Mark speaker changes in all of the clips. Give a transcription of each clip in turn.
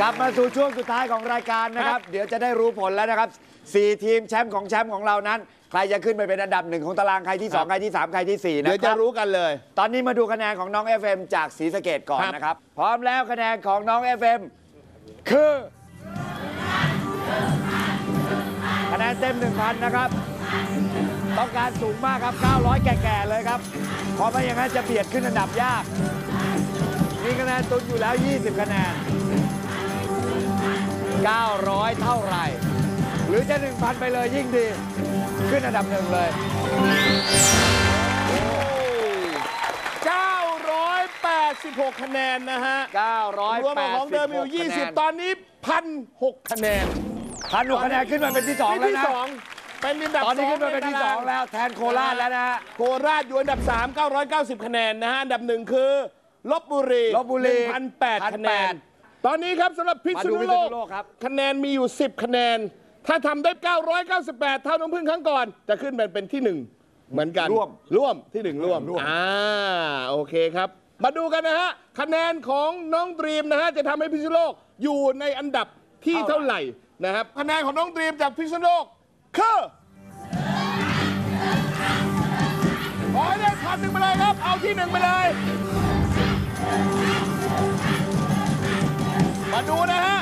Speaker 1: ลับมาสู่ช่วงสุดท้ายของรายการนะครับเดี๋ยวจะได้รู้ผลแล้วนะครับ4ทีมแชมป์ของเรานั้นใครจะขึ้นไปเป็นอันดับ1ของตารางใครที่2ใครที่3ใครที่4นะครับเดี๋ยวจะรู้กันเลยตอนนี้มาดูคะแนนของน้อง FM จากศรีสะเกษก่อนนะครับพร้อมแล้วคะแนนของน้อง FM คือคะแนนเต็ม 1,000 นะครับต้องการสูงมากครับ900แก่ๆเลยครับเพราะไม่อย่างนั้นจะเบียดขึ้นอันดับยากมีคะแนนตุนอยู่แล้ว20คะแนน900เท่าไหร่หรือจะ 1,000 ไปเลยยิ่งดีขึ้นอันดับ1เลย
Speaker 2: 986คะแนนนะฮะ
Speaker 1: 986
Speaker 2: รวมของเดิมอยู่20ตอนนี้1,006คะแนน
Speaker 1: 1,006คะแนนขึ้นมาเป็นที่2แล้วนะ
Speaker 2: เป็นอันดับ
Speaker 1: ตอนนี้ขึ้นมาเป็นที่2แล้วแทนโคราชแล้วนะฮะ
Speaker 2: โคราชอยู่อันดับ3 990คะแนนนะฮะอันดับ1คือลพบุรี 1,008 คะแนนตอนนี้ครับสำหรับพิษณุโลกคะแนนมีอยู่10คะแนนถ้าทำได้998เท่าน้องพึ่งครั้งก่อนจะขึ้นเป็นที่1เหมือนกันร่วมที่1ร่วมโอเคครับมาดูกันนะฮะคะแนนของน้องดรีมนะฮะจะทำให้พิษณุโลกอยู่ในอันดับที่เท่าไหร่นะครับคะแนนของน้องดรีมจากพิษณุโลกคือขอให้ได้1,000ไปเลยครับเอาที่1ไปเลยมาดูนะฮะ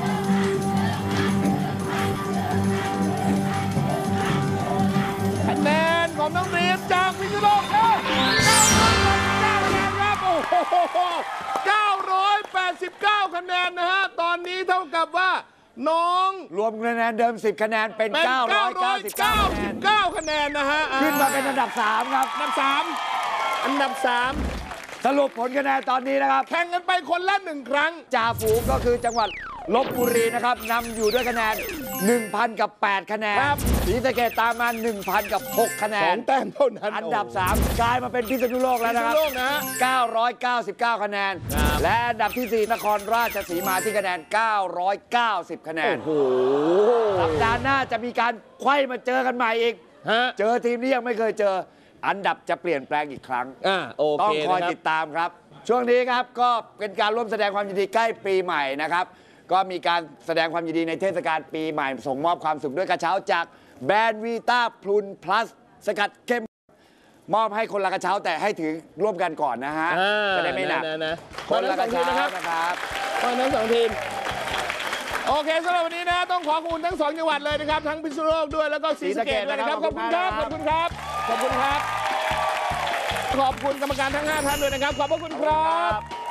Speaker 2: คะแนนของน้องดรีมจากพิษณุโลกคือ989คะแนนครับโอ้โห989คะแนนนะฮะตอนนี้เท่ากับว่าน้อง
Speaker 1: รวมคะแนนเดิม10คะแนนเป็น999
Speaker 2: คะแนนนะฮะ
Speaker 1: ขึ้นมาเป็นอันดับ3ครับ
Speaker 2: อันดับ3
Speaker 1: สรุปผลคะแนนตอนนี้นะครับ
Speaker 2: แข่งกันไปคนละ1ครั้ง
Speaker 1: จ่าฝูงก็คือจังหวัดลพบุรีนะครับนำอยู่ด้วยคะแนน 1,000 กับ 8 คะแนนศรีสะเกษตามมา 1,000 กับ 6 คะแนน
Speaker 2: 2 แต้มเท่านั้น
Speaker 1: อันดับ3กลายมาเป็นพิษณุโลกแล้วนะครับ999 คะแนนและอันดับที่4นครราชสีมาที่คะแนน990 คะแนน
Speaker 2: โอ้โห
Speaker 1: สัปดาห์หน้าจะมีการไขว้มาเจอกันใหม่อีกเจอทีมนี้ยังไม่เคยเจออันดับจะเปลี่ยนแปลงอีกครั้งต้องคอยติดตามครับช่วงนี้ครับก็เป็นการร่วมแสดงความยินดีใกล้ปีใหม่นะครับก็มีการแสดงความยินดีในเทศกาลปีใหม่ส่งมอบความสุขด้วยกระเช้าจากแบรนด์วีต้าพลูนพลัสสกัดเข้มมอบให้คนละกระเช้าแต่ให้ถือร่วมกันก่อนนะฮะจะได้ไม่หนัก
Speaker 2: คนละกระเช้านะครับคนทั้ง2ทีมโอเคสำหรับวันนี้นะต้องขอบคุณทั้ง2จังหวัดเลยนะครับทั้งพิษณุโลกด้วยแล้วก็ศรีสะเกษด้วยนะครับขอบคุณครับขอบคุณครับขอบคุณครับขอบคุณกรรมการทั้ง5ท่านด้วยนะครับขอบพระคุณครับ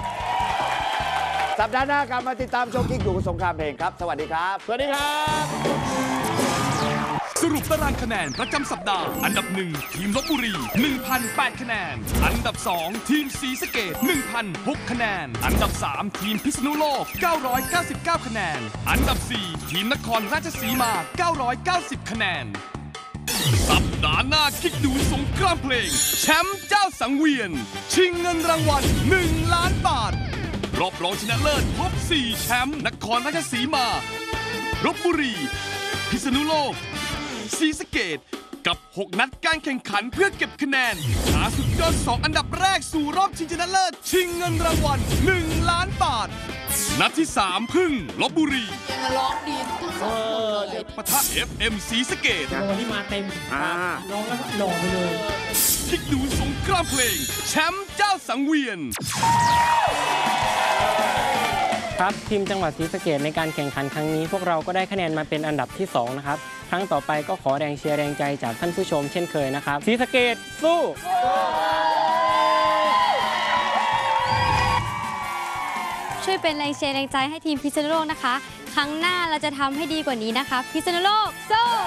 Speaker 1: สัปดาห์หน้ากลับมาติดตามโชว์กิ๊กดูสงครามเพลงครับสวัสดีครับ
Speaker 2: สวัสดีครับ
Speaker 3: สรุปตารางคะแนนประจำสัปดาห์อันดับ1ทีมลพบุรี 1,008 คะแนนอันดับ2ทีมศรีสะเกษ 1,006 คะแนนอันดับ3ทีมพิษณุโลก 999 คะแนนอันดับ4ทีมนครราชสีมา 990 คะแนนสัปดาห์หน้ากิ๊กดูสงครามเพลงแชมป์เจ้าสังเวียนชิงเงินรางวัล1 ล้านบาทรอบรองชนะเลิศพบ4แชมป์นครราชสีมาลพบุรีพิษณุโลกศรีสะเกษกับ 6 นัดการแข่งขันเพื่อเก็บคะแนนหาสุดยอด2อันดับแรกสู่รอบชิงชนะเลิศชิงเงินรางวัล1 ล้านบาทนัดที่3พึ่งลพบุรี
Speaker 4: ยังร้องดีทั้งสองเลย
Speaker 3: ปะทะ FM ศรีสะเกษ
Speaker 4: วันนี้มาเต็มร้องแล้วหล่อไปเลย
Speaker 3: คิดดูสงครามเพลงแชมป์เจ้าสังเวียน
Speaker 5: ครับทีมจังหวัดศรีสะเกษในการแข่งขันครั้งนี้พวกเราก็ได้คะแนนมาเป็นอันดับที่2นะครับครั้งต่อไปก็ขอแรงเชียร์แรงใจจากท่านผู้ชมเช่นเคยนะครับศรีสะเกษสู้
Speaker 6: ช่วยเป็นแรงเชียร์แรงใจให้ทีมพิษณุโลกนะคะครั้งหน้าเราจะทำให้ดีกว่านี้นะคะพิษณุโลกสู้